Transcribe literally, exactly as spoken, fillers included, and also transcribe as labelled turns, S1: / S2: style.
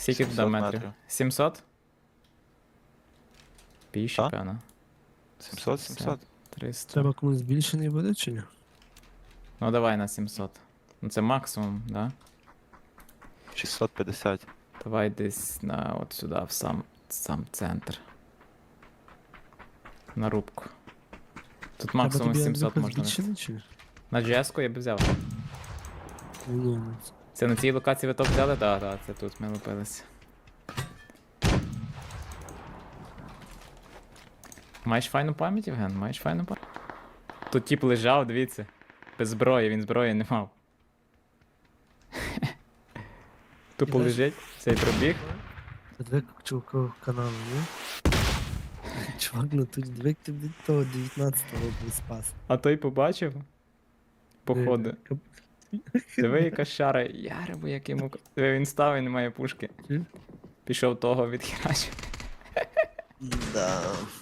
S1: Скільки туди
S2: сімсот
S1: метрів?
S2: метрів.
S1: сімсот? Більше,
S2: Та?
S1: певно.
S2: сімсот, сімсот.
S1: триста.
S3: Треба комусь збільшений буде чи ні?
S1: Ну давай на сімсот. Ну це максимум, да?
S2: шістсот п'ятдесят.
S1: Давай десь на от сюди, в сам, сам центр. На рубку. Тут максимум
S3: Треба тобі
S1: сімсот
S3: Андрюха
S1: можна. вести.
S3: збільшений чи ні?
S1: На джі ес-ку я б взяв.
S3: Ну, ну,
S1: Це на цій локації ви топ взяли? Так, так, це тут ми лупилися. Маєш файну пам'ять, Євген? Маєш файну пам'ять? Тут тип лежав, дивіться. Без зброї, він зброї не мав. Тупо
S3: Ідеш?
S1: лежить, цей пробіг.
S3: Це дві чувака каналу, ні? Чувак, ну тут дві ти від того дев'ятнадцятого був спас.
S1: А той побачив. Походу.
S3: Е,
S1: Диви, яка шара. Яребо, як йому. Диви, він став і немає пушки.
S3: Чи?
S1: Пішов того відхерачив.
S2: Да.